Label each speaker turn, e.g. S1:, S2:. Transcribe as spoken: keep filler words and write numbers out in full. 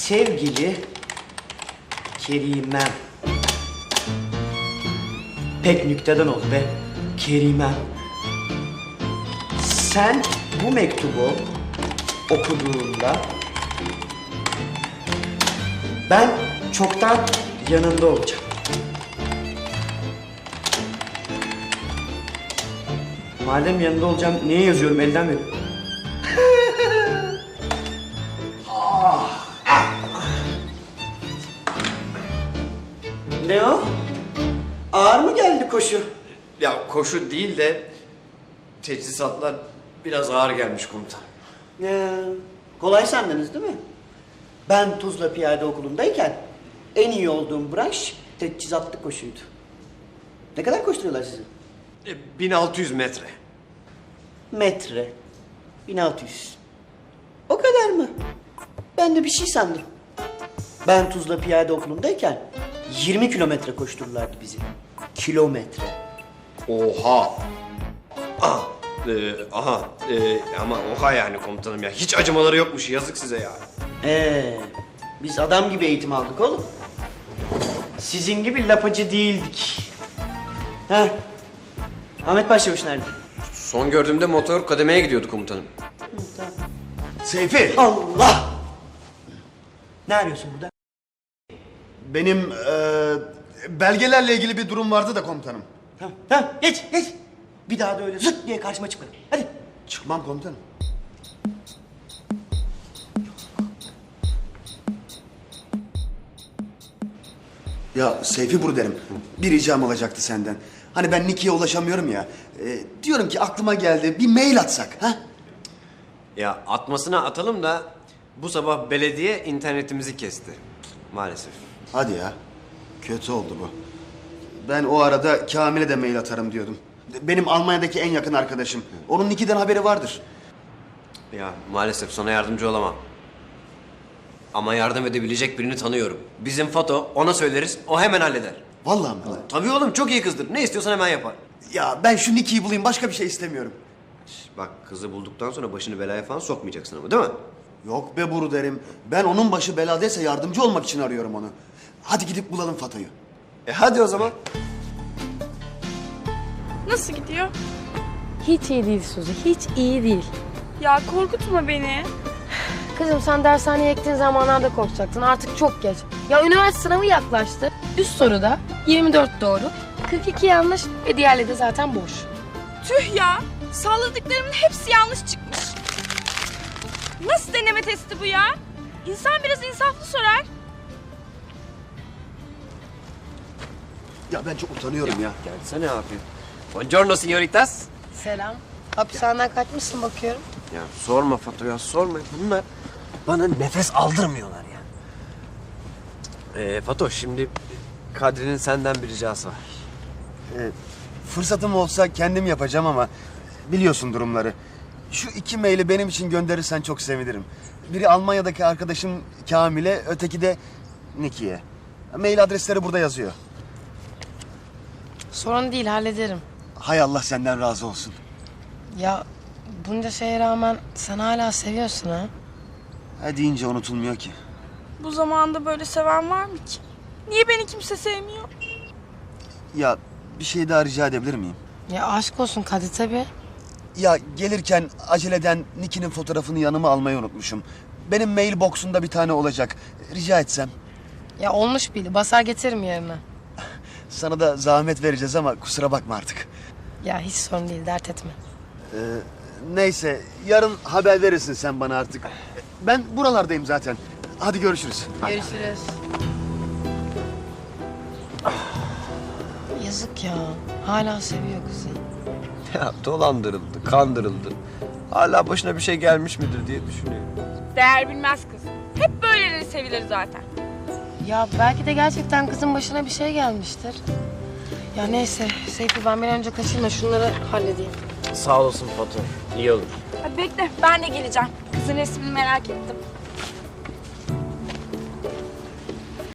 S1: Sevgili Kerimem. Pek nükteden oldu be. Kerimem. Sen bu mektubu okuduğunda ben çoktan yanında olacağım. Madem yanında olacağım, niye yazıyorum? Elden verin. Ne o? Ağır mı geldi koşu?
S2: Ya koşu değil de teçhizatlar biraz ağır gelmiş komutan.
S1: Ee, kolay sandınız değil mi? Ben Tuzla Piyade Okulu'ndayken en iyi olduğum branş teçhizatlı koşuydu. Ne kadar koşturuyorlar sizi?
S2: E, bin altı yüz metre.
S1: Metre. bin altı yüz. O kadar mı? Ben de bir şey sandım. Ben Tuzla Piyade Okulu'ndayken yirmi kilometre koştururlardı bizi. Kilometre.
S2: Oha! Ah, e, aha, e, ama oha yani komutanım ya. Hiç acımaları yokmuş, yazık size ya.
S1: Ee, biz adam gibi eğitim aldık oğlum. Sizin gibi lapacı değildik. Ha? Ahmet Başçavuş nerede?
S2: Son gördüğümde motor kademeye gidiyordu komutanım.
S3: Seyfi,
S1: Allah! Ne arıyorsun burada?
S3: benim eee, belgelerle ilgili bir durum vardı da komutanım.
S1: Tamam, tamam. Geç, geç. Bir daha da öyle zıt diye karşıma çıkma. Hadi.
S3: Çıkmam komutanım. Ya Seyfi derim. Bir ricam olacaktı senden. Hani ben Niki'ye ulaşamıyorum ya. Ee, diyorum ki aklıma geldi. Bir mail atsak, ha?
S2: Ya atmasına atalım da bu sabah belediye internetimizi kesti. Maalesef.
S3: Hadi ya. Kötü oldu bu. Ben o arada Kamil'e de mail atarım diyordum. Benim Almanya'daki en yakın arkadaşım. Onun Niki'den haberi vardır.
S2: Ya maalesef sana yardımcı olamam. Ama yardım edebilecek birini tanıyorum. Bizim Fato, ona söyleriz, o hemen halleder.
S3: Vallahi mi?
S2: Tabii oğlum, çok iyi kızdır. Ne istiyorsan hemen yapar.
S3: Ya ben şu Niki'yi bulayım, başka bir şey istemiyorum.
S2: Bak, kızı bulduktan sonra başını belaya falan sokmayacaksın ama, değil mi?
S3: Yok be Buru derim. Ben onun başı beladaysa yardımcı olmak için arıyorum onu. Hadi gidip bulalım Fato'yu.
S2: E hadi o zaman.
S4: Nasıl gidiyor?
S5: Hiç iyi değil Suzi, hiç iyi değil.
S4: Ya korkutma beni.
S5: Kızım sen dershaneye gittiğin zamanlarda korkacaktın, artık çok geç. Ya üniversite sınavı yaklaştı. Üst soruda yirmi dört doğru, kırk iki yanlış ve diğerleri de zaten boş.
S4: Tüh ya. Salladıklarımın hepsi yanlış çıkmış. Nasıl deneme testi bu ya? İnsan biraz insaflı sorar.
S3: Ya ben çok utanıyorum ya.
S2: Gelsene abi. Buongiorno signoritas.
S5: Selam. Hapishaneden kaçmışsın bakıyorum.
S2: Ya sorma Fato ya, sorma. Bunlar bana nefes aldırmıyorlar ya. Ee, Fato, şimdi Kadri'nin senden bir ricası var.
S3: Ee, fırsatım olsa kendim yapacağım ama biliyorsun durumları. Şu iki maili benim için gönderirsen çok sevinirim. Biri Almanya'daki arkadaşım Kamil'e, öteki de Niki'ye. Mail adresleri burada yazıyor.
S5: Sorun değil, hallederim.
S3: Hay Allah senden razı olsun.
S5: Ya bunca şeye rağmen sen hala seviyorsun ha?
S3: Ha deyince unutulmuyor ki.
S4: Bu zamanda böyle seven var mı ki? Niye beni kimse sevmiyor?
S3: Ya bir şey daha rica edebilir miyim?
S5: Ya aşk olsun Kadir tabii.
S3: Ya gelirken aceleden Niki'nin fotoğrafını yanıma almayı unutmuşum. Benim mail box'unda bir tane olacak. Rica etsem.
S5: Ya olmuş bile, basar getiririm yerine.
S3: Sana da zahmet vereceğiz ama kusura bakma artık.
S5: Ya hiç sorun değil, dert etme.
S3: Ee, neyse yarın haber verirsin sen bana artık. Ben buralardayım zaten. Hadi görüşürüz.
S5: Görüşürüz. Yazık ya. Hala seviyor kızı.
S2: Ya dolandırıldı, kandırıldı. Hala başına bir şey gelmiş midir diye düşünüyor.
S4: Değer bilmez kız. Hep böyleleri sevilir zaten.
S5: Ya belki de gerçekten kızın başına bir şey gelmiştir. Ya neyse Seyfi, ben bir an önce kaçayım da şunları halledeyim.
S2: Sağ olasın Fato. İyi olur.
S4: Hadi bekle, ben de geleceğim. Kızın resmini merak ettim.